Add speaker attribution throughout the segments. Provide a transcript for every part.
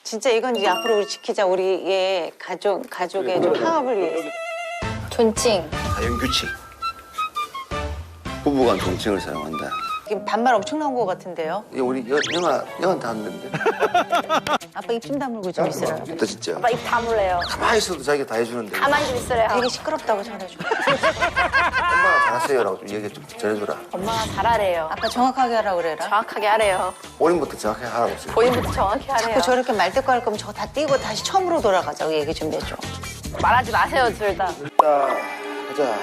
Speaker 1: 진짜 이건 이제 앞으로 우리 지키자. 우리의 가족의 좀 화합을 위해서.
Speaker 2: 존칭.
Speaker 3: 자연규칙. 부부간 존칭을 사용한다.
Speaker 1: 지금 반말 엄청 나온 것 같은데요?
Speaker 3: 이게 우리 영화 다 하는데.
Speaker 1: 아빠 입 좀 다물고 좀 있으라.
Speaker 3: 있다 진짜.
Speaker 2: 아빠 입 다물래요.
Speaker 3: 가만히 있어도 자기가 다 해주는데.
Speaker 2: 가만히 좀 있으래요.
Speaker 1: 되게 시끄럽다고 전해줘.
Speaker 3: 엄마가 잘하세요라고 좀 얘기 좀 전해줘라.
Speaker 2: 엄마가 잘하래요.
Speaker 1: 아빠 정확하게 하라고 그래라.
Speaker 2: 정확하게 하래요.
Speaker 3: 본인부터 정확하게 하라고 했어요.
Speaker 2: 본인부터 정확히 하래요.
Speaker 1: 자꾸 저렇게 말대꾸 할 거면 저거 다 띄고 다시 처음으로 돌아가자고 얘기 좀 해줘.
Speaker 2: 말하지 마세요, 둘 다.
Speaker 3: 자, 가자.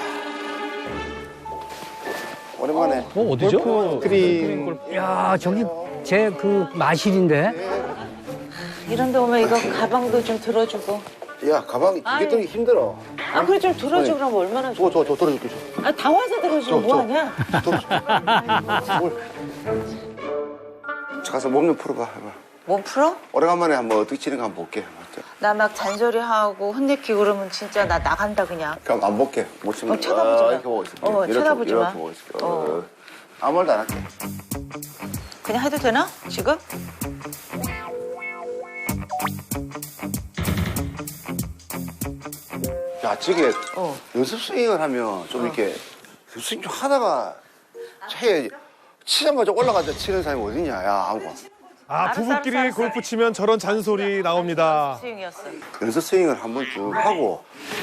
Speaker 3: 오랜만에.
Speaker 4: 어디죠?
Speaker 3: 그림.
Speaker 4: 야, 저기 제 그 마실인데.
Speaker 1: 이런 데 오면 이거 가방도 좀 들어주고.
Speaker 3: 야, 가방 두개 들기 힘들어.
Speaker 1: 아, 그래 좀 들어줘 그럼 얼마나 좋아.
Speaker 3: 저 들어줄게.
Speaker 1: 아, 다 와서 들어주면 뭐하냐?
Speaker 3: 가서 몸 좀 풀어봐. 해봐.
Speaker 1: 몸 풀어?
Speaker 3: 오래간만에 한번 어떻게 치는 거 한번 볼게.
Speaker 1: 나 막 잔소리하고 혼내키고 그러면 진짜 나 나간다 그냥.
Speaker 3: 그럼 안 볼게. 못 치면.
Speaker 1: 쳐다보지 마.
Speaker 3: 이렇게 보고 있을게.
Speaker 1: 쳐다보지 마.
Speaker 3: 이렇게 보고 있을게. 아무 말도 안 할게.
Speaker 1: 그냥 해도 되나? 지금?
Speaker 3: 야, 저게 연습 스윙을 하면 좀 이렇게 스윙 좀 하다가 해야지. 치자마자 올라가자 치는 사람이 어딨냐, 야, 하고.
Speaker 5: 아, 부부끼리 골프 치면 저런 잔소리 나옵니다.
Speaker 1: 스윙이었어.
Speaker 3: 연습 스윙을 한번 쭉 하고.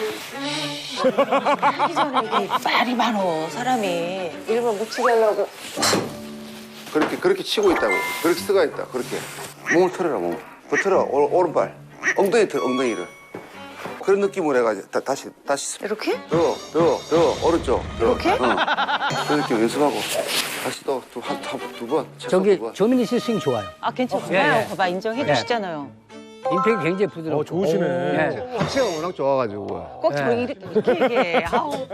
Speaker 1: 하기 전에 이게 말이 많어 사람이. 일부러 묻히게 하려고.
Speaker 3: 그렇게 치고 있다고. 그렇게 쓰가 있다, 그렇게. 몸을 틀어라, 몸을. 더 틀어, 오른발. 엉덩이 틀어, 엉덩이를. 그런 느낌으로 해가지고 다시
Speaker 1: 이렇게?
Speaker 3: 더 오른쪽 더.
Speaker 1: 이렇게?
Speaker 3: 그렇게 연습하고 다시 또 두 번.
Speaker 4: 저기
Speaker 3: 두 번.
Speaker 4: 조민희 씨 스윙 좋아요.
Speaker 1: 아, 괜찮아요.
Speaker 4: 예.
Speaker 1: 봐봐, 인정해 주시잖아요.
Speaker 4: 임팩이 굉장히 부드럽고.
Speaker 5: 좋으시네.
Speaker 4: 예.
Speaker 3: 하체가 워낙 좋아가지고.
Speaker 1: 꼭 저렇게 이렇게 얘기해. 아우.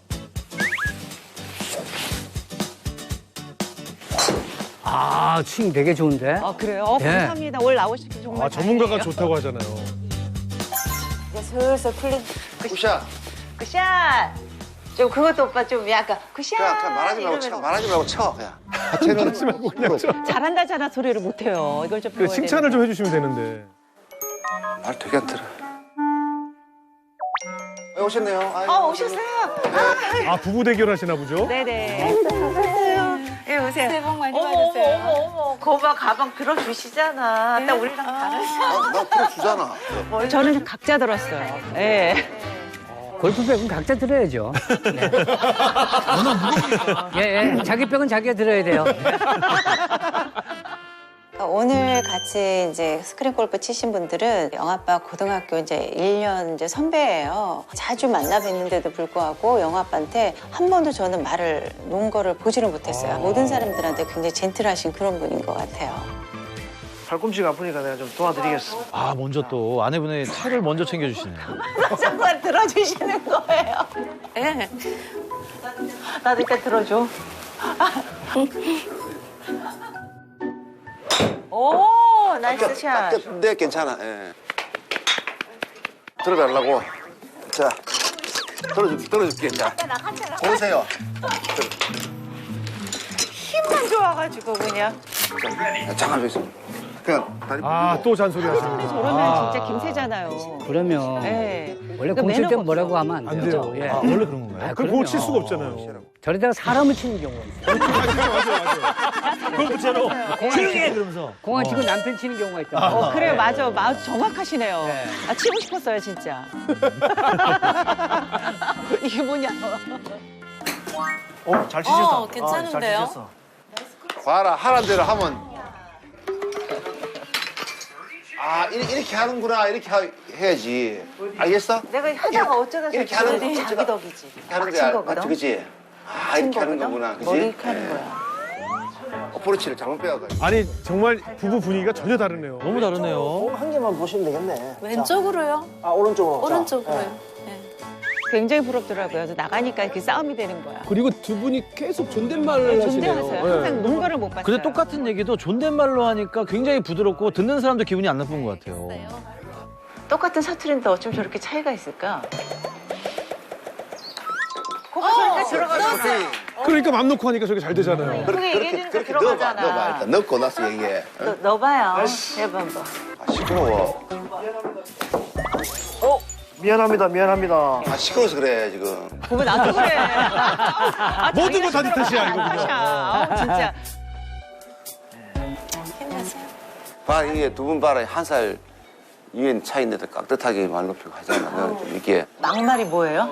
Speaker 4: 아, 스윙 되게 좋은데.
Speaker 1: 아, 그래요?
Speaker 4: 예.
Speaker 1: 감사합니다. 오늘 나오시기 정말
Speaker 5: 아, 전문가가
Speaker 1: 다행이에요.
Speaker 5: 좋다고 하잖아요.
Speaker 1: 이제 슬슬 풀린
Speaker 3: 굿샷.
Speaker 1: 굿샷. 좀 그것도 오빠 좀 약간 굿샷.
Speaker 3: 그냥 말하지 말고 쳐.
Speaker 1: 이러면서.
Speaker 3: 말하지 말고 쳐. 그냥. 하체는 말고
Speaker 5: 그냥 쳐.
Speaker 1: 잘한다잖아 소리를 못해요. 이걸 좀
Speaker 5: 그
Speaker 1: 배워야
Speaker 5: 칭찬을
Speaker 1: 되는데.
Speaker 5: 좀 해주시면 되는데.
Speaker 3: 말 되게 안 들어. 오셨네요.
Speaker 1: 오셨어요.
Speaker 5: 아, 부부 대결 하시나 보죠?
Speaker 1: 네네. 오세요. 예, 오세요. 새해 복 많이 받으세요. 어머. 거봐 가방 들어주시잖아. 딱 우리랑 다르죠.
Speaker 3: 나 풀어주잖아.
Speaker 1: 저는 각자 들었어요. 예.
Speaker 4: 골프백은 각자 들어야죠. 네. 예, 자기 백은 자기가 들어야 돼요.
Speaker 1: 오늘 같이 이제 스크린 골프 치신 분들은 영아빠 고등학교 이제 1년 이제 선배예요. 자주 만나 뵀는데도 불구하고 영아빠한테 한 번도 저는 말을 놓은 거를 보지를 못했어요. 모든 사람들한테 굉장히 젠틀하신 그런 분인 것 같아요.
Speaker 6: 팔꿈치가 아프니까 내가 좀 도와드리겠어.
Speaker 7: 아, 먼저 또 아내분의 차를 먼저 챙겨주시네요.
Speaker 1: 정말 들어주시는 거예요. 예. 나도 일단 들어줘. 오, 나이스 샷.
Speaker 3: 네, 괜찮아. 예. 들어달라고. 자, 들어줄게. 자, 보세요.
Speaker 1: 힘만 좋아가지고 그냥.
Speaker 3: 잠깐 좀 있어. 그냥 다리.
Speaker 5: 아, 또 잔소리
Speaker 1: 우리
Speaker 5: 하시네.
Speaker 1: 저러면 진짜 김새잖아요.
Speaker 4: 그러면
Speaker 1: 예.
Speaker 4: 원래
Speaker 1: 그
Speaker 4: 공 칠 때
Speaker 1: 매너가
Speaker 4: 뭐라고
Speaker 1: 없어.
Speaker 4: 하면 안
Speaker 5: 안
Speaker 4: 돼요.
Speaker 5: 돼요.
Speaker 4: 예.
Speaker 7: 아, 원래 그런 건가요?
Speaker 5: 그럼 그거 칠 수가 없잖아요.
Speaker 4: 저러다가 사람을 치는 경우가 있어요.
Speaker 5: 맞아요.
Speaker 7: 골프채로 조용히 해 그러면서.
Speaker 4: 공안 치고 남편 치는 경우가 있다.
Speaker 1: 그래요, 맞아. 마음 정확하시네요.
Speaker 4: 네.
Speaker 1: 아, 치고 싶었어요, 진짜. 이게 뭐냐.
Speaker 6: 잘 치셨다.
Speaker 2: 괜찮은데요?
Speaker 6: 잘 치셨어.
Speaker 3: 봐라, 하란 대로 하면. 아, 이렇게 하는구나. 이렇게 해야지. 알겠어?
Speaker 1: 내가 하다가 어쩌다
Speaker 3: 이렇게
Speaker 1: 저렇게
Speaker 3: 하는 거,
Speaker 1: 자기 덕이지.
Speaker 3: 이렇게 하는
Speaker 1: 친
Speaker 3: 거야.
Speaker 1: 거거든.
Speaker 3: 맞지, 그치? 아, 이렇게 하는
Speaker 1: 거거든.
Speaker 3: 거구나. 그치?
Speaker 1: 머리 이렇게 하는
Speaker 3: 예.
Speaker 1: 거야.
Speaker 3: 어프로치를 잘못 빼와가지고.
Speaker 5: 아니, 정말 부부 분위기가 전혀 다르네요.
Speaker 7: 너무 다르네요.
Speaker 6: 한 개만 보시면 되겠네.
Speaker 2: 왼쪽으로요?
Speaker 6: 자, 오른쪽으로. 자,
Speaker 2: 오른쪽으로요? 네.
Speaker 1: 굉장히 부럽더라고요. 그래서 나가니까 이렇게 싸움이 되는 거야.
Speaker 8: 그리고 두 분이 계속 존댓말을 하시네요.
Speaker 1: 존대하세요.
Speaker 8: 예.
Speaker 1: 항상 논 거를 못 봤어요.
Speaker 7: 근데 똑같은 얘기도 존댓말로 하니까 굉장히 부드럽고 듣는 사람도 기분이 안 나쁜 것 같아요.
Speaker 1: 똑같은 사투리인데 어쩜 저렇게 차이가 있을까? 거기 소리가 들어가잖아.
Speaker 5: 그러니까 맘 놓고 하니까 저게 잘 되잖아요.
Speaker 1: 그게 얘기해주니까
Speaker 3: 그렇게 넣어봐,
Speaker 1: 들어가잖아.
Speaker 3: 넣어봐. 일단 넣고 나서 얘기해.
Speaker 1: 넣어봐요. 해봐 한번.
Speaker 3: 아, 시끄러워.
Speaker 6: 미안합니다.
Speaker 3: 아, 시끄러워서 그래, 지금.
Speaker 1: 보면 나도 그래.
Speaker 5: 모든 건 다 네 탓이야, 이거 그냥.
Speaker 1: 아우, 진짜. 힘내세요.
Speaker 3: 봐, 이게 두 분 봐라. 한 살 위엔 차이인데도 깍듯하게 말 높이고 하잖아. 넌 이게.
Speaker 1: 막말이 뭐예요?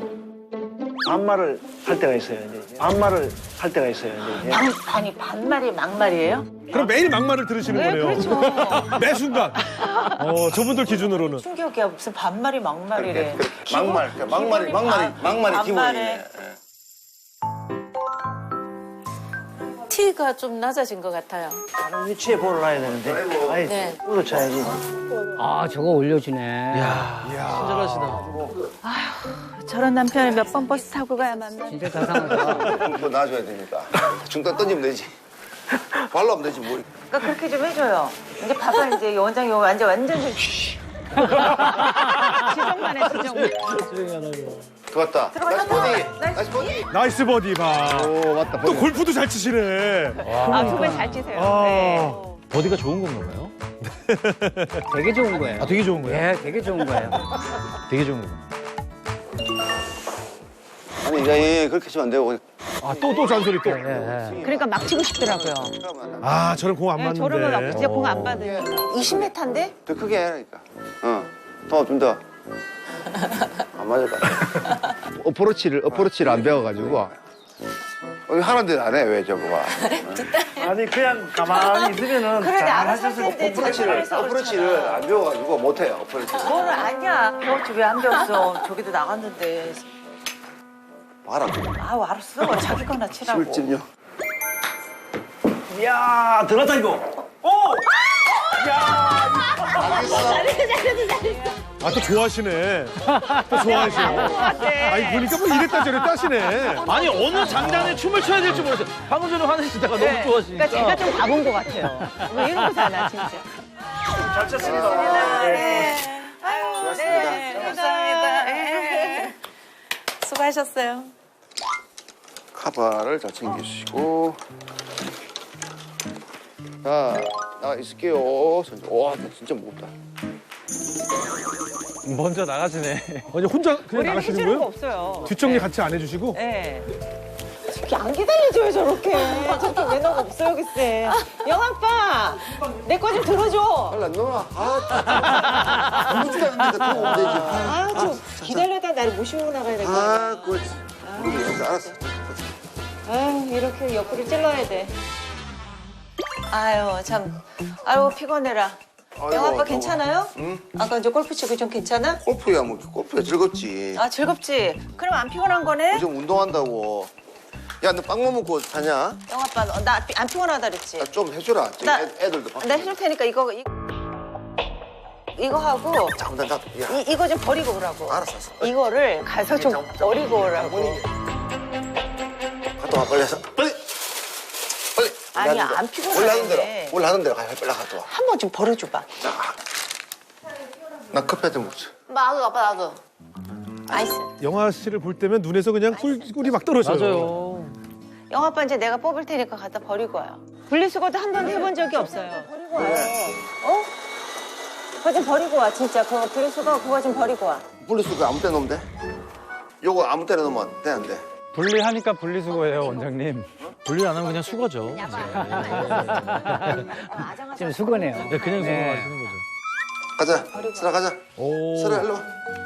Speaker 6: 반말을 할 때가 있어요. 이제 반말을 할 때가 있어요. 이제.
Speaker 1: 아니, 반말이 막말이에요?
Speaker 5: 그럼 매일 막말을 들으시는
Speaker 1: 네,
Speaker 5: 거네요.
Speaker 1: 그렇죠.
Speaker 5: 매 순간. 저분들 기준으로는.
Speaker 1: 충격이야. 무슨 반말이 막말이래.
Speaker 3: 막말이 기본이네.
Speaker 1: 반말에.
Speaker 2: 티가 좀 낮아진 것 같아요.
Speaker 6: 다른 위치에 볼을 놔야 되는데. 아예
Speaker 2: 네.
Speaker 6: 볼을 쳐야지.
Speaker 4: 아, 저거 올려주네.
Speaker 7: 친절하시다.
Speaker 2: 저런 남편을 몇 번 버스 타고 가야 만나.
Speaker 4: 진짜 자상하다.
Speaker 3: 뭐 놔줘야 되니까. 중단 던지면 되지. 발로 하면 되지, 뭐.
Speaker 1: 그러니까 그렇게 좀 해줘요. 이제 봐봐, 이제 원장이 완전 좀. 지정만해, 지정만.
Speaker 3: 들어갔다. 나이스 버디.
Speaker 5: 나이스 버디 봐.
Speaker 3: 오, 맞다.
Speaker 5: 또 골프도 잘 치시네.
Speaker 1: 아, 두 분 잘 치세요.
Speaker 5: 아.
Speaker 1: 네.
Speaker 7: 버디가 좋은 건가 봐요?
Speaker 4: 되게 좋은 거예요.
Speaker 7: 아, 되게 좋은 거예요?
Speaker 4: 예, 되게 좋은 거예요.
Speaker 7: 되게 좋은 거예요.
Speaker 3: 아니, 이게 그렇게 치면 안 되고.
Speaker 5: 아, 또 잔소리 또.
Speaker 4: 예, 예.
Speaker 1: 그러니까 막 치고 싶더라고요.
Speaker 5: 아, 저런 공 안
Speaker 1: 네,
Speaker 5: 맞는데.
Speaker 1: 저러면 막 진짜 공 안 받으니까. 20m인데?
Speaker 3: 더 크게 해라니까. 좀 더. 안 맞을 것 같아.
Speaker 9: 어프로치를 안 배워가지고.
Speaker 3: 하는데 안 해, 왜 저거가.
Speaker 6: 아니 그냥 가만히 있으면은
Speaker 1: 그래,
Speaker 6: 잘
Speaker 1: 알아서
Speaker 6: 하셨을
Speaker 1: 할 텐데.
Speaker 3: 어프로치를 안 배워가지고 못해요, 어프로치를.
Speaker 1: 뭐를 아니야. 배웠지 왜 안 배웠어. 저기도 나갔는데.
Speaker 3: 봐라.
Speaker 1: 아우, 알았어. 자기 거나 치라고.
Speaker 3: 실질요.
Speaker 6: 이야 들어갔다 이거. 오!
Speaker 5: 아, 또 좋아하시네. 또 좋아하시네. 아니, 보니까 뭐 이랬다 저랬다 하시네.
Speaker 7: 아니, 어느 장단에 춤을 춰야 될지 모르겠어요. 방금 전에 화내시다가 너무 좋아하시니까.
Speaker 1: 그러니까 제가 좀 가본 것 같아요. 왜 이러고 사나, 진짜.
Speaker 6: 잘 쳤습니다.
Speaker 1: 네. 아유, 네. 감사합니다. 네. 수고하셨어요.
Speaker 3: 카바를 잘 챙기시고. 자, 나가 있을게요. 와, 진짜 무겁다.
Speaker 7: 먼저 나가시네.
Speaker 5: 아니, 혼자 그냥
Speaker 1: 우리는
Speaker 5: 나가시는
Speaker 1: 해주는 거
Speaker 5: 거예요?
Speaker 1: 없어요.
Speaker 5: 뒷정리 같이 안 해주시고?
Speaker 1: 네. 저렇게 안 기다려줘요, 저렇게. 저렇게 왜 너가 없어요, 글쎄. 영아빠, 내 거 좀 들어줘.
Speaker 3: 빨리 안 나와. 아무것도 안 되니까 들어오면 되지.
Speaker 1: 아, 저 기다려다 나를 모시고 나가야 될 거 아니야.
Speaker 3: 그렇지. 알았어.
Speaker 1: 아유, 이렇게 옆구리 찔러야 돼. 아유, 참. 아유, 피곤해라.
Speaker 3: 아이고,
Speaker 1: 영아빠 괜찮아요?
Speaker 3: 응?
Speaker 1: 아까 이제 골프 치고 좀 괜찮아?
Speaker 3: 골프야, 뭐, 골프야 즐겁지.
Speaker 1: 아, 즐겁지? 그럼 안 피곤한 거네?
Speaker 3: 요즘 운동한다고. 야, 너 빵만 먹고 사냐?
Speaker 1: 영아빠, 나 안 피곤하다 그랬지?
Speaker 3: 나 좀 해줘라. 저기
Speaker 1: 나-
Speaker 3: 애들도 밥.
Speaker 1: 나 해줄 테니까 이거 하고
Speaker 3: 잠깐, 야.
Speaker 1: 이거 좀 버리고 오라고.
Speaker 3: 알았어.
Speaker 1: 이거를 가서 좀 버리고 오라고.
Speaker 3: 갔다 와, 빨리 해서. 빨리! 빨리!
Speaker 1: 아니,
Speaker 3: 올라가는
Speaker 1: 안
Speaker 3: 대로.
Speaker 1: 피곤한데.
Speaker 3: 올라가는 대로 가. 빨리 갔다 와.
Speaker 1: 한 번 좀 버려줘봐.
Speaker 3: 자, 나 커피 좀 먹자.
Speaker 2: 나도, 아빠 나도.
Speaker 1: 아이스.
Speaker 5: 영화 씨를 볼 때면 눈에서 그냥 꿀이 막 떨어져요.
Speaker 7: 맞아요.
Speaker 1: 영아빠 이제 내가 뽑을 테니까 갖다 버리고 와요. 분리수거도 한 번도 해본 적이 없어요. 버리고 와요. 어? 그거 좀 버리고 와, 진짜. 그거 분리수거 그거 좀 버리고 와.
Speaker 3: 분리수거 아무 때나 놓으면 돼? 요거 아무 때나 놓으면 돼, 안 돼?
Speaker 7: 분리하니까 분리수거예요, 원장님. 분리 안 하면 그냥 수거죠.
Speaker 4: 지금 수고네요.
Speaker 7: 네, 그냥 수거하시는 거죠.
Speaker 3: 가자. 슬아, 가자.
Speaker 5: 오.
Speaker 3: 슬아, 일로 와.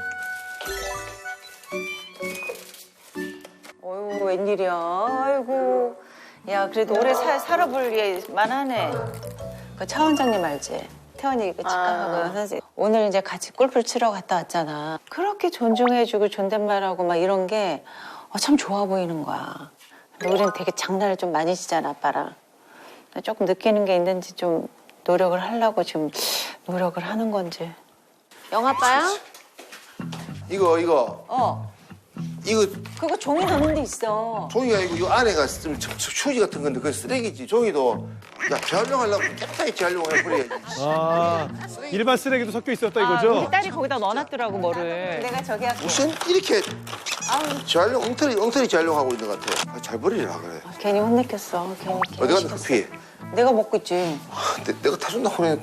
Speaker 1: 어이구, 웬일이야. 아이고. 야, 그래도 오래 살아볼 만하네. 그 차 원장님 알지? 태원이 그 직감하고 선생님. 오늘 이제 같이 골프를 치러 갔다 왔잖아. 그렇게 존중해주고 존댓말하고 막 이런 게 참 좋아 보이는 거야. 근데 우리는 되게 장난을 좀 많이 치잖아, 아빠랑. 조금 느끼는 게 있는지 좀 노력을 하려고 지금 노력을 하는 건지. 영아빠야?
Speaker 3: 이거. 이거
Speaker 1: 그거 종이 넣는 데 있어.
Speaker 3: 종이가 아니고 이 안에가 좀 휴지 같은 건데 그게 쓰레기지. 종이도 야 재활용하려고 깨끗하게 재활용을 해버려야지.
Speaker 5: 아, 일반 쓰레기도 섞여 있었다 이거죠?
Speaker 1: 우리 딸이 거기다 넣어놨더라고, 뭐를. 내가 저기 할게.
Speaker 3: 무슨 이렇게 재활용 엉터리 재활용하고 있는 것 같아. 잘 버리라 그래.
Speaker 1: 괜히 혼내켰어. 괜히
Speaker 3: 어디 갔나
Speaker 1: 시켰어.
Speaker 3: 커피?
Speaker 1: 내가 먹고 있지.
Speaker 3: 내가 타준다고 그러니까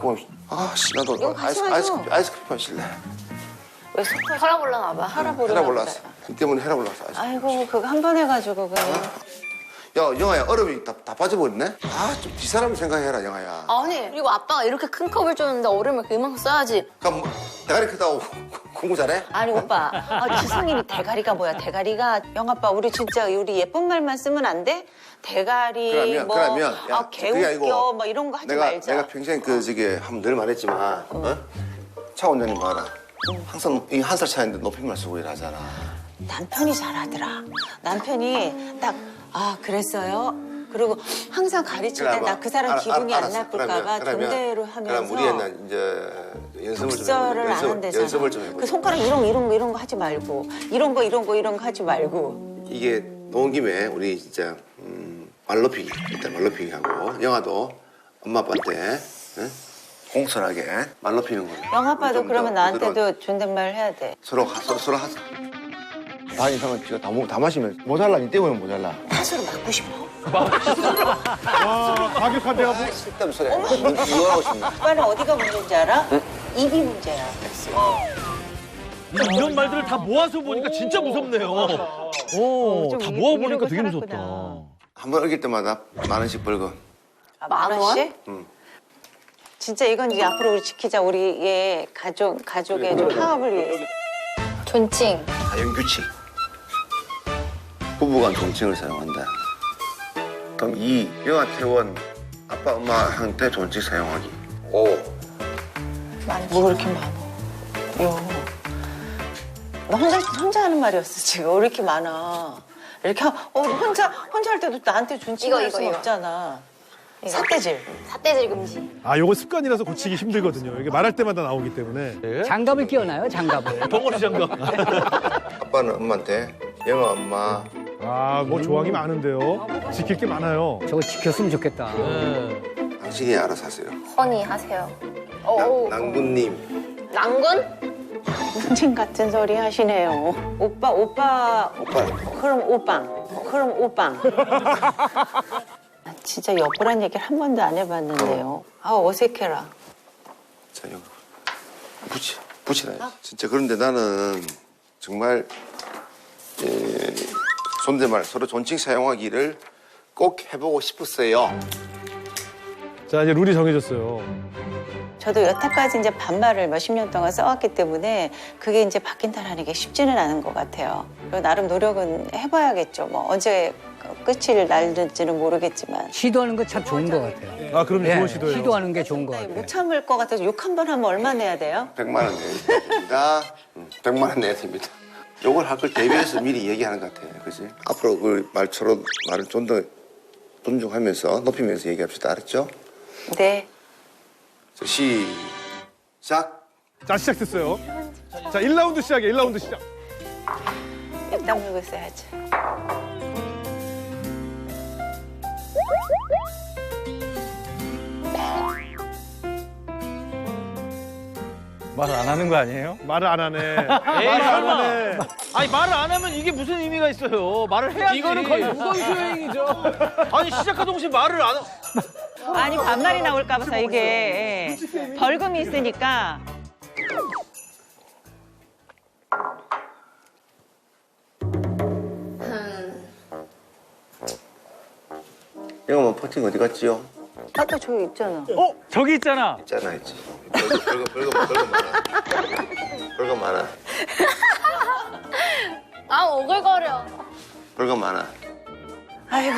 Speaker 3: 아씨 나도
Speaker 1: 이거 같이 가죠.
Speaker 3: 아이스크림 마실래.
Speaker 1: 왜 속아?
Speaker 10: 혈압 올라나 봐.
Speaker 1: 혈압
Speaker 3: 해라
Speaker 1: 오르나
Speaker 3: 올랐어. 그 때문에 해라 올랐어.
Speaker 1: 아이고 그거 한 번 해가지고 그냥.
Speaker 3: 야 영아야 얼음이 다 빠져버렸네. 좀 뒷사람 생각해라 영아야.
Speaker 10: 아니, 그리고 아빠가 이렇게 큰 컵을 줬는데 얼음을 그만큼 써야지.
Speaker 3: 그럼 뭐, 대가리 크다고 공부 잘해?
Speaker 1: 아니 오빠, 지성님이 대가리가 뭐야? 대가리가 영아빠 우리 진짜 우리 예쁜 말만 쓰면 안 돼? 대가리
Speaker 3: 그러면 야, 그게
Speaker 1: 개웃겨
Speaker 3: 아니고
Speaker 1: 뭐 이런 거 하지
Speaker 3: 내가
Speaker 1: 말자.
Speaker 3: 내가 평생 늘 말했지만 차 원장님 봐라. 항상 이 한 살 차이인데 높임말 쓰고 일하잖아.
Speaker 1: 남편이 잘하더라. 남편이 딱 그랬어요. 그리고 항상 가르칠 때 나 그 사람 기분이 안 나쁠까봐 존대로 하면서.
Speaker 3: 그럼 우리는 이제 연습을
Speaker 1: 독서를 안 한대잖아.
Speaker 3: 연습을 좀 해보자.
Speaker 1: 그 손가락 이런 거 하지 말고 이런 거 하지 말고.
Speaker 3: 이게 놓은 김에 우리 진짜 말높이기 일단 말높이기 하고 영아도 엄마 아빠한테 공손하게 말높이는 거예요.
Speaker 1: 영아빠도 그러면 나한테도 존댓말 해야 돼.
Speaker 3: 서로 하자. 반 이상은 지가 다 마시면 모자라. 니 때문에 모자라.
Speaker 1: 팥으로 맞고 싶어.
Speaker 5: 와, 과격한데요.
Speaker 3: 쓸데없는 소리. 이혼하고 싶네.
Speaker 1: 오빠는 어디가 문제인지 알아? 입이 문제야.
Speaker 7: 이런 말들을 다 모아서 보니까 진짜 무섭네요. 오,
Speaker 1: 좀
Speaker 7: 다
Speaker 1: 이러고
Speaker 7: 모아보니까 되게
Speaker 1: 살았구나.
Speaker 7: 무섭다.
Speaker 3: 한 번 어길 때마다 10,000원씩 벌금.
Speaker 1: 만 원씩?
Speaker 3: 응.
Speaker 1: 진짜 이건 이제 앞으로 우리 지키자. 우리의 가족의 좀 화합을 위해서.
Speaker 10: 존칭.
Speaker 3: 자연규칙. 부부간 존칭을 사용한다. 그럼 2. 영아 태원 아빠 엄마한테 존칭 사용하기. 5.
Speaker 1: 뭐 그렇게 많아? 나 혼자 하는 말이었어 지금. 왜 이렇게 많아? 이렇게 혼자 할 때도 나한테 존칭할 수는 없잖아. 삿대질.
Speaker 10: 삿대질 금지.
Speaker 5: 요거 습관이라서 고치기 힘들거든요. 이게 말할 때마다 나오기 때문에.
Speaker 4: 장갑을 끼워놔요, 장갑을.
Speaker 7: 덩어리 장갑.
Speaker 3: 아빠는 엄마한테 영아 엄마
Speaker 5: 뭐 조항이 많은데요. 지킬 게 많아요.
Speaker 4: 저거 지켰으면 좋겠다.
Speaker 3: 당신이 알아서 하세요.
Speaker 10: 허니 하세요.
Speaker 3: 낭군님.
Speaker 10: 낭군?
Speaker 1: 문진 같은 소리 하시네요. 오빠. 그럼 오빵. 진짜 여보란 얘기를 한 번도 안 해봤는데요. 어색해라.
Speaker 3: 자, 여기 붙이라. 진짜 그런데 나는 정말 존댓말 서로 존칭 사용하기를 꼭 해보고 싶었어요.
Speaker 5: 자, 이제 룰이 정해졌어요.
Speaker 1: 저도 여태까지 이제 반말을 몇십 년 동안 써왔기 때문에 그게 이제 바뀐다라는 게 쉽지는 않은 것 같아요. 그리고 나름 노력은 해봐야겠죠. 뭐 언제 끝을 날는지는 모르겠지만.
Speaker 4: 시도하는 거 참 좋은 것 같아요.
Speaker 5: 그럼
Speaker 4: 예,
Speaker 5: 좋은 시도예요.
Speaker 4: 시도하는 게 좋은 것 같아요.
Speaker 1: 못 참을 것 같아서 욕 한 번 하면 얼마 내야 돼요?
Speaker 3: 100만 원 내야 됩니다. 100만 원 내야 됩니다. 요걸 할 걸 대비해서 미리 얘기하는 것 같아요. 그지? 앞으로 그 말처럼 말을 좀 더 존중하면서 높이면서 얘기합시다. 알았죠?
Speaker 1: 네.
Speaker 3: 자, 시작.
Speaker 5: 자, 시작됐어요. 자, 1라운드 시작이에요. 1라운드 시작.
Speaker 1: 입 다물고 있어야지.
Speaker 7: 말을 안 하는 거 아니에요?
Speaker 5: 말을 안 하네.
Speaker 7: 에이, 설마. 아니, 말을 안 하면 이게 무슨 의미가 있어요? 말을 해야지.
Speaker 8: 이거는 거의 무건수행이죠.
Speaker 7: 아니, 시작한 동시에 말을 안
Speaker 1: 아니 반말이 나올까 봐서 이게 벌금이 있으니까.
Speaker 3: 영어 뭐 퍼팅 어디 갔지요?
Speaker 1: 아까 저기 있잖아.
Speaker 7: 저기 있잖아.
Speaker 3: 있잖아, 있지. 벌금 많아. 벌금 많아.
Speaker 10: 오글거려.
Speaker 3: 벌금 많아.
Speaker 1: 아이고.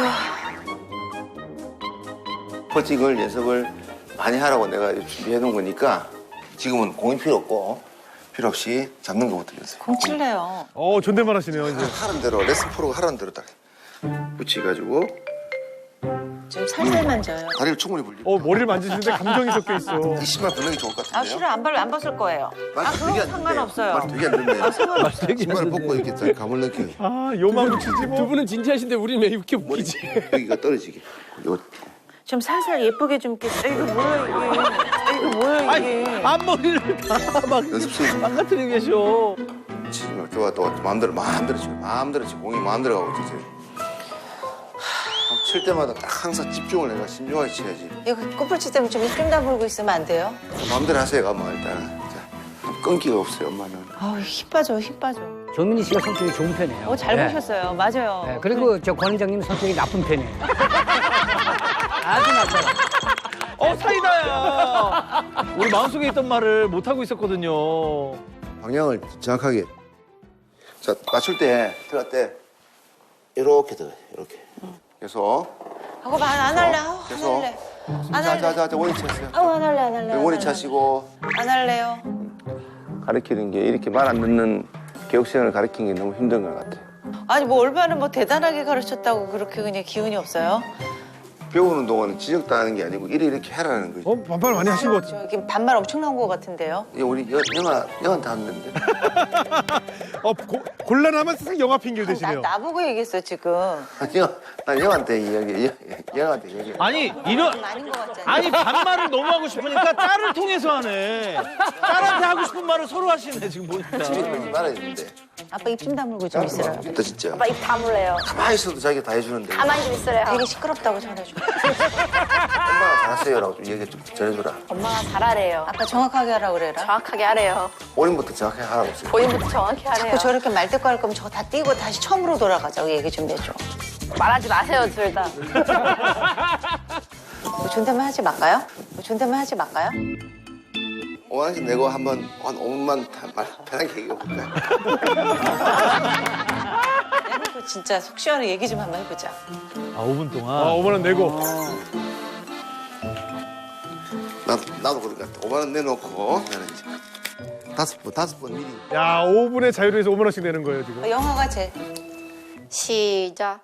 Speaker 3: 퍼팅을 연습을 많이 하라고 내가 준비해 놓은 거니까 지금은 공이 필요 없이 잡는 것부터 연습.
Speaker 1: 공 칠래요.
Speaker 5: 존댓말 하시네요, 이제.
Speaker 3: 하는 대로 레슨 프로가 하는 대로 딱 붙여가지고
Speaker 1: 좀 살살 만져요.
Speaker 3: 다리를 충분히 벌리고.
Speaker 5: 머리를 만지시는데 감정이 섞여 있어.
Speaker 3: 이 신발 벗는 게 좋을 것 같은데요?
Speaker 1: 싫어 안 벗을 거예요.
Speaker 3: 말 되게 안
Speaker 1: 상관없어요.
Speaker 3: 말 되게 안 듣네요. 신발을 벗고 이렇게 딱 감을 느끼고
Speaker 5: 요만 붙이지 뭐.
Speaker 8: 두 분은 진지하신데 우리는 왜 이렇게 웃기지?
Speaker 3: 여기가 떨어지게. 요
Speaker 1: 좀 살살 예쁘게 좀 이거 뭐야 이게.
Speaker 7: 앞머리를 다막
Speaker 3: 연습실
Speaker 7: 망가뜨리고 계셔.
Speaker 3: 치면 좋아 또 마음대로 치고 공이 마음대로 가고 있지. 칠 때마다 딱 항상 집중을 내가 신중하게 쳐야지.
Speaker 1: 이거 꽃불치 때문에 좀 다물고 있으면 안 돼요?
Speaker 3: 마음대로 하세요, 가만 일단. 자, 끈기가 없어요, 엄마는.
Speaker 1: 아우, 힘 빠져, 힘 빠져.
Speaker 4: 조민희 씨가 성격이 좋은 편이에요.
Speaker 2: 잘
Speaker 4: 네.
Speaker 2: 보셨어요. 맞아요.
Speaker 4: 네, 그리고 저 권 원장님 성격이 나쁜 편이에요. 아주 나빠요.
Speaker 7: 사이다야. 우리 마음속에 있던 말을 못 하고 있었거든요.
Speaker 3: 방향을 정확하게. 자, 맞출 때, 들어갈 때, 이렇게 들어요, 이렇게. 그래서,
Speaker 1: 하고 말 안 할래. 아우, 안
Speaker 3: 그래서.
Speaker 1: 할래. 안 할래.
Speaker 3: 자, 원위 차세요.
Speaker 1: 아우, 안 할래, 안 할래.
Speaker 3: 원위 차시고.
Speaker 1: 안 할래요.
Speaker 3: 가르치는 게 이렇게 말 안 듣는 교육생을 가르치는 게 너무 힘든 것 같아.
Speaker 1: 아니, 뭐 얼마나 뭐 대단하게 가르쳤다고 그렇게 그냥 기운이 없어요?
Speaker 3: 배우는 동안은 지적도 하는 게 아니고 이렇게 해라는 거지.
Speaker 5: 반말 많이 하신 것 같아요.
Speaker 1: 저기 반말 엄청 나온 것 같은데요?
Speaker 3: 이게 우리 영한테 하는데.
Speaker 5: 곤란하면 싹 영화 핑계를 대시네요.
Speaker 1: 나보고 얘기했어, 지금.
Speaker 3: 난 영한테 영한테 얘기.
Speaker 7: 아니 이런
Speaker 1: 아닌 것 같잖아.
Speaker 7: 아니 반말을 너무 하고 싶으니까 딸을 통해서 하네. 딸한테 하고 싶은 말을 서로 하시네 지금 보니까.
Speaker 3: 집에 그러지 말아야 되는데.
Speaker 1: 아빠 입 좀 다물고 좀 있으라.
Speaker 3: 또 진짜.
Speaker 10: 오빠 입 다물래요.
Speaker 3: 가만히 있어도 자기가 다 해주는데.
Speaker 10: 가만히 좀 있으래요.
Speaker 1: 되게 시끄럽다고 전해줘.
Speaker 3: 엄마가 잘하세요라고 좀 얘기 좀 전해줘라.
Speaker 10: 엄마가 잘하래요.
Speaker 1: 아빠 정확하게 하라 그래라.
Speaker 10: 정확하게 하래요.
Speaker 3: 본인부터 정확하게 하라고 했어요.
Speaker 10: 본인부터 정확히 하래요.
Speaker 1: 자꾸 저렇게 말대꾸 할 거면 저거 다 띄고 다시 처음으로 돌아가자고 얘기 좀 해줘.
Speaker 10: 말하지 마세요, 둘 다.
Speaker 1: 뭐 존댓말 하지 말까요? 뭐 존댓말 하지 말까요?
Speaker 3: 5만원씩 내고 한번 한 5분만 말 편하게 얘기해볼까요?
Speaker 1: 해놓고 진짜 속 시원하게 얘기 좀 한번 해보자.
Speaker 7: 5분 동안.
Speaker 5: 5만 원 내고.
Speaker 3: 나도 그러니까 5만원 내놓고 나는 이제 다섯 번 미리.
Speaker 5: 야, 5분의 자유를 위해서 5만 원씩 내는 거예요, 지금.
Speaker 1: 영화가 제
Speaker 10: 시작.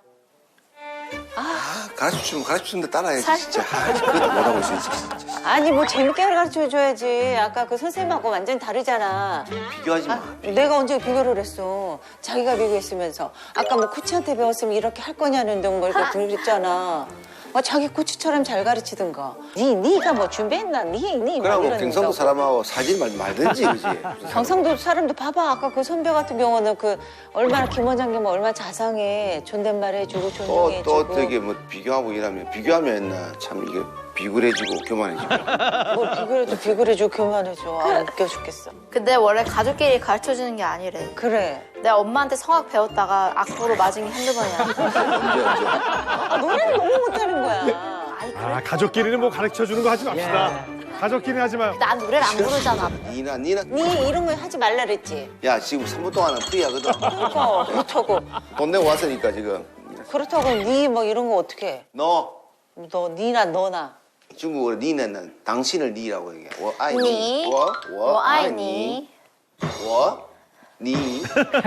Speaker 3: 가르쳐주는데 따라야지 진짜. 그것도 못하고 있어 진짜.
Speaker 1: 아니 뭐 재밌게 가르쳐줘야지. 아까 그 선생님하고 완전 다르잖아.
Speaker 3: 비교하지 마.
Speaker 1: 내가 언제 비교를 했어. 자기가 비교했으면서. 아까 뭐 코치한테 배웠으면 이렇게 할 거냐는 둥 뭐 이렇게 그랬잖아. 자기 코치처럼 잘 가르치든가. 네가 뭐 준비했나? 네
Speaker 3: 그러고 경상도 사람하고 사진 말든지 그지.
Speaker 1: 경상도 사람도 봐봐. 아까 그 선배 같은 경우는 그 얼마나 김 원장님 얼마나 자상해. 존댓말 해주고 존중해주고.
Speaker 3: 또 되게 뭐 비교하고 이러면 참 이게 비굴해지고 교만해지고.
Speaker 1: 뭘 비굴해주고 교만해줘. 아, 웃겨 죽겠어.
Speaker 10: 근데 원래 가족끼리 가르쳐주는 게 아니래.
Speaker 1: 그래.
Speaker 10: 내가 엄마한테 성악 배웠다가 악보로 맞은 게 한두 번이야.
Speaker 1: 아, 노래를 너무 못하는 거야.
Speaker 10: 아니, 그래.
Speaker 5: 아, 가족끼리는 뭐 가르쳐주는 거 하지 맙시다. 가족끼리는 하지 마요.
Speaker 10: 난 노래를 안 부르잖아.
Speaker 3: 니나
Speaker 1: 네 이런 거 하지 말라 그랬지.
Speaker 3: 야 지금 3분 동안은 프리하거든.
Speaker 1: 그러니까 그렇다고.
Speaker 3: 돈 내고 왔으니까 지금.
Speaker 1: 그렇다고 네 뭐 이런 거 어떻게 해?
Speaker 3: 너
Speaker 1: 니나 너나.
Speaker 3: 중국어로 니는 당신을 니라고 얘기해.
Speaker 10: 니,
Speaker 3: 我爱你
Speaker 10: 你
Speaker 3: 我你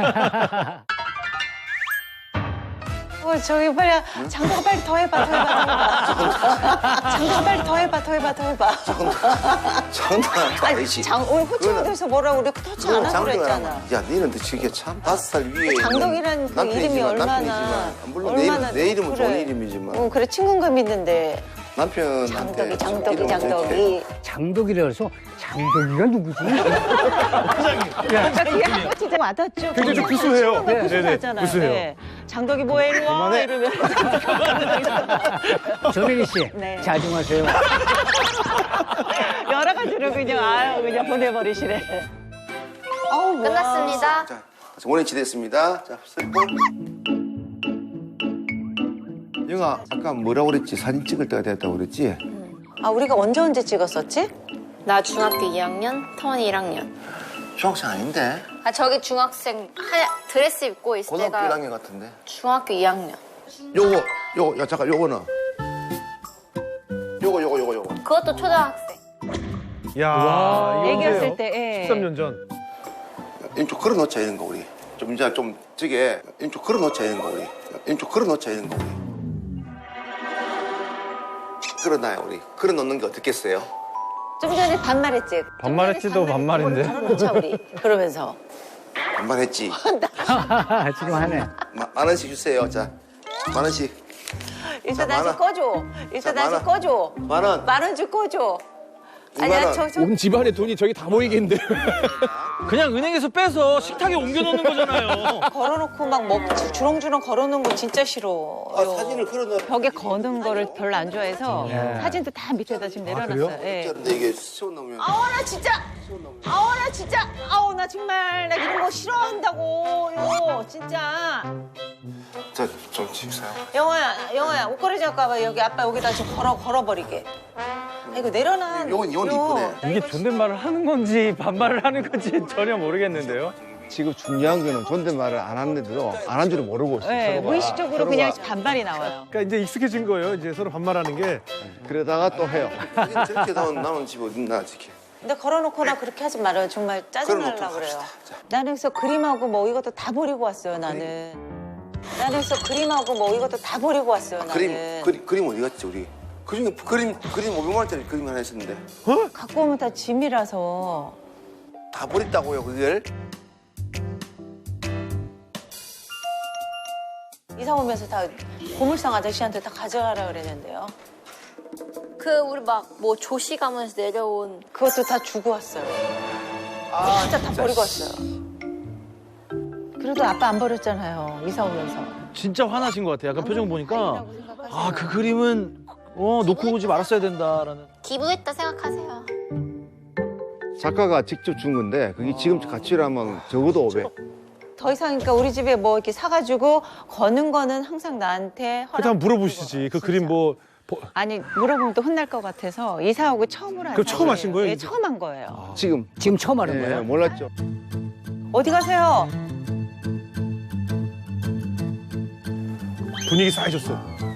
Speaker 1: 저기 빨리 장도가 빨리 더 해봐. 장도가 빨리 더 해봐.
Speaker 3: 장난
Speaker 1: 아니
Speaker 3: 아니지.
Speaker 1: 오늘 호칭에 대해서 뭐라고 우리 터치 안 하고 그랬잖아.
Speaker 3: 야, 너는 저게 참 5살 위에
Speaker 1: 장덕이라는 그 이름이 얼마나
Speaker 3: 남편이지만 물론
Speaker 1: 얼마나
Speaker 3: 내 이름은
Speaker 1: 그래.
Speaker 3: 좋은 이름이지만
Speaker 1: 그래 친근감 있는데
Speaker 3: 남편한테
Speaker 1: 장덕이.
Speaker 4: 장독이라 해서 장독이가 누구지?
Speaker 1: 이거 진짜 와닿죠.
Speaker 5: 굉장히 좀 구수해요.
Speaker 1: 네네.
Speaker 5: 네네, 구수해요.
Speaker 1: 네. 장덕이 뭐해 일로 와 이러면.
Speaker 4: 조민희 씨,
Speaker 1: 네.
Speaker 4: 자중하세요.
Speaker 1: 여러 가지로 그냥 보내버리시네.
Speaker 10: 끝났습니다.
Speaker 3: 자, 원위치 됐습니다. 자, 쓸고. 영아, 아까 뭐라고 그랬지? 사진 찍을 때가 됐다고 그랬지?
Speaker 1: 아 우리가 언제 찍었었지?
Speaker 10: 나 중학교 2학년, 터원이 1학년.
Speaker 3: 중학생 아닌데?
Speaker 10: 아 저기 중학생 드레스 입고 있을
Speaker 3: 고등학교
Speaker 10: 때가
Speaker 3: 1학년 같은데?
Speaker 10: 중학교 2학년.
Speaker 3: 야, 잠깐, 요거는. 요거.
Speaker 10: 그것도 초등학생.
Speaker 5: 야,
Speaker 2: 얘기했을 때. 예.
Speaker 5: 13년 전.
Speaker 3: 좀 걸어놓자, 이런 거, 우리. 좀 저게, 좀 걸어놓자, 이런 거, 우리. 걸어놔요, 우리. 걸어놓는 게 어떻겠어요?
Speaker 1: 좀 전에 반말했지.
Speaker 7: 반말했지도 반말인데.
Speaker 1: 걸어놓자 우리. 그러면서.
Speaker 3: 반말했지?
Speaker 4: 지금 하네.
Speaker 3: 만 원씩 주세요, 자. 만 원씩.
Speaker 1: 일단
Speaker 3: 자,
Speaker 1: 다시
Speaker 3: 만 원.
Speaker 1: 꺼줘. 일단
Speaker 3: 자,
Speaker 1: 다시
Speaker 3: 만 원.
Speaker 1: 꺼줘.
Speaker 3: 만 원.
Speaker 1: 10,000원 줄 꺼줘. 아니야, 저
Speaker 8: 온 집안의 돈이 저기 다 모이겠는데.
Speaker 7: 그냥 은행에서 빼서 식탁에 옮겨놓는 거잖아요.
Speaker 1: 걸어놓고 막 먹지 주렁주렁 걸어놓은 거 진짜 싫어.
Speaker 3: 사진을 걸어놔.
Speaker 2: 벽에 거는 거를 별로 안 좋아해서 사진도 다 밑에다 지금 내려놨어요. 예.
Speaker 3: 근데 이게 세워놓으면
Speaker 1: 아우 나 진짜 아우 나 정말 나 이런 거 싫어한다고요 진짜.
Speaker 3: 자좀 집사요.
Speaker 1: 영호야 옷걸이 갖고 와봐. 여기 아빠 여기다 좀 걸어버리게. 아, 이거 내려놔.
Speaker 3: 이건 이쁘네.
Speaker 7: 이게 존댓말을 하는 건지 반말을 하는 건지 전혀 모르겠는데요.
Speaker 9: 지금 중요한 거는 존댓말을 안 하는데도 안 한 줄을 모르고 있어요.
Speaker 2: 네,
Speaker 9: 서로가.
Speaker 2: 무의식적으로
Speaker 9: 서로가.
Speaker 2: 그냥 반발이 나와요.
Speaker 5: 그러니까 이제 익숙해진 거예요. 이제 서로 반말하는 게.
Speaker 9: 그러다가 또 해요.
Speaker 3: 저렇게 나오는 집 어딨나 이렇게.
Speaker 1: 근데 걸어놓거나 그렇게 하지 말아요. 정말 짜증날라
Speaker 3: 걸어놓고
Speaker 1: 그래요.
Speaker 3: 합시다. 자.
Speaker 1: 나는 그래서 그림하고 뭐 이것도 다 버리고 왔어요. 나는 그래서 그림하고 뭐 이것도 다 버리고 왔어요. 나는
Speaker 3: 그림 어디 갔지 우리? 그중에 그림 500만 원짜리 그림 하나 있었는데
Speaker 1: 갖고 오면 다 짐이라서.
Speaker 3: 다 버렸다고요 그걸?
Speaker 1: 이사 오면서 다 고물상 아저씨한테 다 가져가라 그랬는데요.
Speaker 10: 그 우리 막 뭐 조시 가면서 내려온
Speaker 1: 그것도 다 주고 왔어요. 진짜 다 버리고 왔어요. 그래도 아빠 안 버렸잖아요. 이사 오면서.
Speaker 7: 진짜 화나신 것 같아요. 약간 표정 보니까 아 그 그림은 놓고 오지 말았어야 된다라는.
Speaker 10: 기부했다 생각하세요.
Speaker 9: 작가가 직접 준 건데 그게 지금 가치라면 적어도 500.
Speaker 1: 더 이상 그러니까 우리 집에 뭐 이렇게 사가지고 거는 거는 항상 나한테
Speaker 5: 그렇다 한번 물어보시지. 그 그림 뭐
Speaker 2: 아니 물어보면 또 혼날 것 같아서 이사 오고 처음으로 한
Speaker 5: 그럼 처음 하신 거예요,
Speaker 2: 예,
Speaker 5: 이제?
Speaker 2: 처음 한 거예요.
Speaker 9: 지금
Speaker 4: 처음 하는
Speaker 9: 예,
Speaker 4: 거예요?
Speaker 9: 몰랐죠.
Speaker 1: 어디 가세요?
Speaker 5: 분위기 싸해졌어.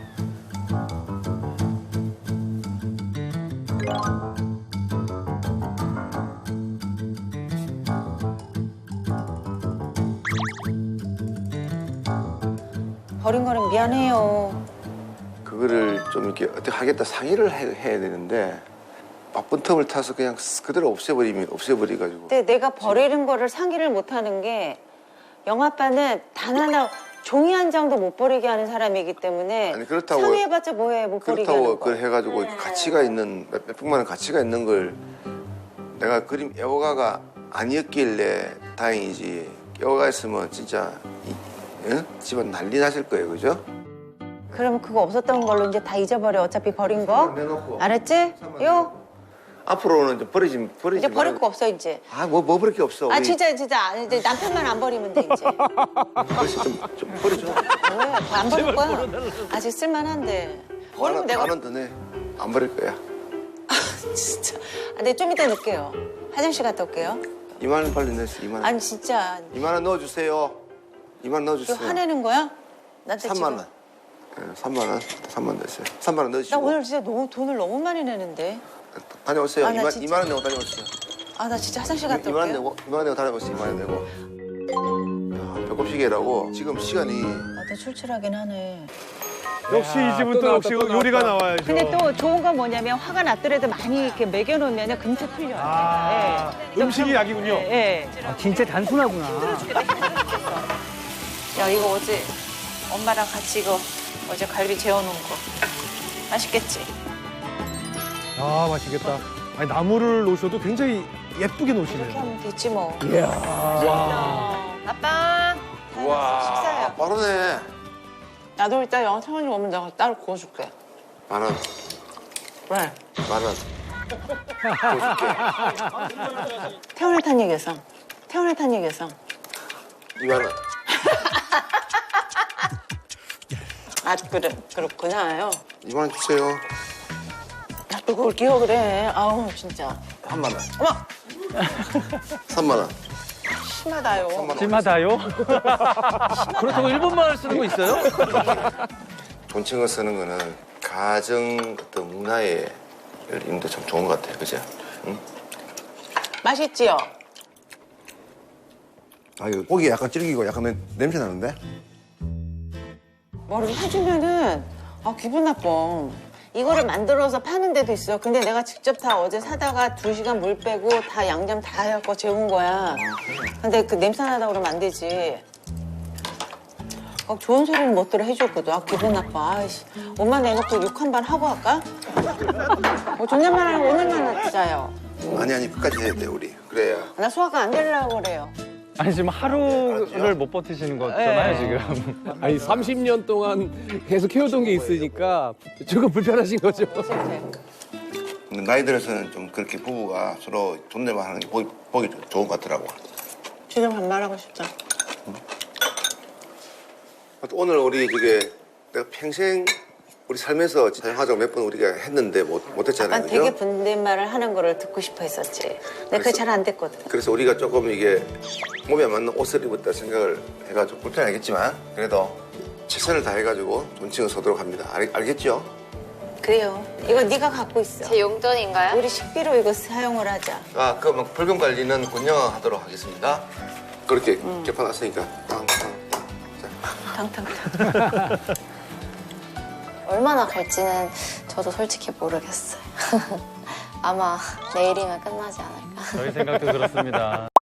Speaker 1: 버린 거는 미안해요.
Speaker 3: 그거를 좀 이렇게 어떻게 하겠다 상의를 해야 되는데 바쁜 틈을 타서 그냥 그대로 없애버려가지고.
Speaker 1: 근데 내가 버리는 거를 상의를 못 하는 게 영아빠는 단 하나 종이 한 장도 못 버리게 하는 사람이기 때문에
Speaker 3: 아니, 그렇다고-
Speaker 1: 상의해봤자 뭐해 못 버리게
Speaker 3: 그렇다고
Speaker 1: 하는
Speaker 3: 그걸
Speaker 1: 거.
Speaker 3: 해가지고 가치가 있는 몇백만 원 가치가 있는 걸 내가 그림 애호가가 아니었길래 다행이지. 애호가 있으면 진짜 집안 난리 나실 거예요, 그죠?
Speaker 1: 그러면 그거 없었던 걸로 이제 다 잊어버려. 어차피 버린 거.
Speaker 3: 내놓고.
Speaker 1: 알았지? 요
Speaker 3: 앞으로는 좀 버리지
Speaker 1: 이제 버릴 거 없어 이제.
Speaker 3: 아뭐 버릴 게 없어.
Speaker 1: 아
Speaker 3: 우리
Speaker 1: 진짜 이제 남편만 안 버리면 돼 이제.
Speaker 3: 그래서 좀 버려줘.
Speaker 1: 왜? 안 버릴 거야? 아직 쓸만한데. 버리면 내가
Speaker 3: 만원 더 내. 안 버릴 거야.
Speaker 1: 진짜. 아, 네, 좀 이따 넣을게요. 화장실 갔다 올게요.
Speaker 3: 2만 원 빨리 내세요. 2만 원.
Speaker 1: 아니 진짜
Speaker 3: 2만 원 넣어주세요. 2만 원
Speaker 1: 이거
Speaker 3: 넣어주세요.
Speaker 1: 화내는 거야? 나한테
Speaker 3: 3만
Speaker 1: 지금.
Speaker 3: 원. 3만 원. 3만 원 넣으세요. 3만 원
Speaker 1: 나
Speaker 3: 넣으시고.
Speaker 1: 오늘 진짜 돈을 너무 많이 내는데.
Speaker 3: 다녀오세요.
Speaker 1: 아, 나
Speaker 3: 2만,
Speaker 1: 진짜-
Speaker 3: 2만 원 내고 다녀오세요.
Speaker 1: 아 나 진짜 화장실 갔다
Speaker 3: 2만 원
Speaker 1: 올게요.
Speaker 3: 내고 2만 원 내고 다녀오세요. 2만 원 내고. 야, 배꼽시계라고 지금 시간이
Speaker 1: 나도 출출하긴 하네.
Speaker 5: 역시 이 집은 또 역시 요리가 나와야죠.
Speaker 2: 근데 또 좋은 건 뭐냐면 화가 났더라도 많이 이렇게 먹여놓으면 금세 풀려요.
Speaker 5: 아,
Speaker 2: 예.
Speaker 5: 음식이 약이군요.
Speaker 2: 예.
Speaker 4: 아, 진짜 단순하구나.
Speaker 1: 야 이거 어제 엄마랑 같이 이거 어제 갈비 재워놓은 거 맛있겠지?
Speaker 5: 아, 맛있겠다. 아니, 나무를 놓으셔도 굉장히 예쁘게
Speaker 1: 이렇게
Speaker 5: 놓으시네요.
Speaker 1: 하면 됐지 뭐.
Speaker 5: 와.
Speaker 1: 아빠. 식사해요.
Speaker 3: 빠르네.
Speaker 1: 나도 이따 영화 태원이 오면 내가 따로 구워줄게.
Speaker 3: 만 원.
Speaker 1: 왜?
Speaker 3: 만 원.
Speaker 1: 태원을 탄 얘기했어. 태원을 탄 얘기했어.
Speaker 3: 2만 원.
Speaker 1: 아 그래 그렇구나요.
Speaker 3: 2만 원 주세요.
Speaker 1: 야, 또 그걸 기억을 해. 아우 진짜.
Speaker 3: 3만 원.
Speaker 1: 어머
Speaker 3: 3만 원.
Speaker 1: 심하다요.
Speaker 3: 3만 원.
Speaker 7: 심하다요? 그렇다고 일본말을 쓰는 거 있어요?
Speaker 3: 존칭을 쓰는 거는 가정 어떤 문화의 임도 참 좋은 것 같아요. 그죠? 응?
Speaker 1: 맛있지요?
Speaker 3: 아, 이거 고기 약간 질기고 약간 냄새 나는데?
Speaker 1: 뭐를 해주면은 기분 나빠. 이거를 만들어서 파는 데도 있어. 근데 내가 직접 다 어제 사다가 2시간 물 빼고 다 양념 다 해갖고 재운 거야. 근데 그 냄새 나다 그러면 안 되지. 꼭 좋은 소리는 못 들어 해줬거든. 아, 기분 나빠. 아이씨, 옷만 내놓고 욕 한 번 하고 할까? 존댓말 하고 오늘만 하자요.
Speaker 3: 아니 끝까지 해야 돼 우리. 그래야.
Speaker 1: 나 소화가 안 되려고 그래요.
Speaker 8: 아니 지금 하루를 못 버티시는 거잖아요 지금.
Speaker 5: 아니 30년 동안 계속 해오던 게 있으니까 조금 불편하신 거죠.
Speaker 3: 근데 나이 들어서는 좀 그렇게 부부가 서로 존댓말 하는 게 보기 좋은 것 같더라고.
Speaker 1: 지금 반말하고 싶다.
Speaker 3: 오늘 우리 저게 내가 평생 우리 살면서 사용하자고 몇 번 우리가 했는데 못했잖아요.
Speaker 1: 아빠 되게 존댓말을 하는 거를 듣고 싶어 했었지. 근데 그게 잘 안 됐거든.
Speaker 3: 그래서 우리가 조금 이게 몸에 맞는 옷을 입었다 생각을 해가지고 불편하겠지만 그래도 최선을 다해가지고 존칭을 서도록 합니다. 알겠죠?
Speaker 1: 그래요. 이거 네가 갖고 있어.
Speaker 10: 제 용돈인가요?
Speaker 1: 우리 식비로 이거 사용을 하자.
Speaker 3: 그럼 벌금 관리는 권영아 하도록 하겠습니다. 그렇게 겹쳐놨으니까
Speaker 1: 탕탕탕.
Speaker 10: 얼마나 갈지는 저도 솔직히 모르겠어요. 아마 내일이면 끝나지 않을까.
Speaker 8: 저희 생각도 그렇습니다.